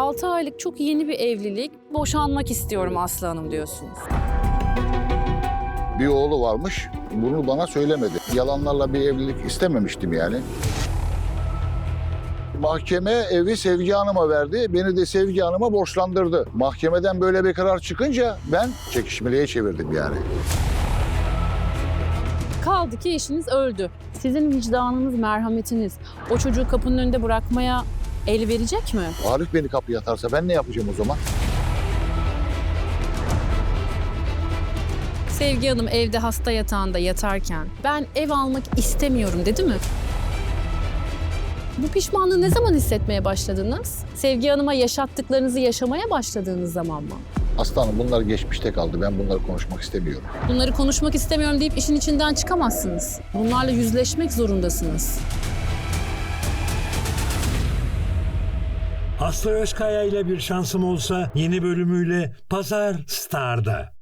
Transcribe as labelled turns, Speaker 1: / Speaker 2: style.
Speaker 1: 6 aylık çok yeni bir evlilik. Boşanmak istiyorum Aslı Hanım diyorsunuz.
Speaker 2: Bir oğlu varmış, bunu bana söylemedi. Yalanlarla bir evlilik istememiştim yani. Mahkeme evi Sevgi Hanım'a verdi, beni de Sevgi Hanım'a borçlandırdı. Mahkemeden böyle bir karar çıkınca ben çekişmeliğe çevirdim yani.
Speaker 1: Kaldı ki eşiniz öldü. Sizin vicdanınız, merhametiniz o çocuğu kapının önünde bırakmaya el verecek mi?
Speaker 2: Arif beni kapıya atarsa ben ne yapacağım o zaman?
Speaker 1: Sevgi Hanım evde hasta yatağında yatarken ben ev almak istemiyorum dedi mi? Bu pişmanlığı ne zaman hissetmeye başladınız? Sevgi Hanım'a yaşattıklarınızı yaşamaya başladığınız zaman mı?
Speaker 2: Aslanım bunlar geçmişte kaldı. Ben bunları konuşmak istemiyorum.
Speaker 1: Bunları konuşmak istemiyorum deyip işin içinden çıkamazsınız. Bunlarla yüzleşmek zorundasınız.
Speaker 3: Aslı Özkaya ile Bir Şansım Olsa yeni bölümüyle Pazar Star'da.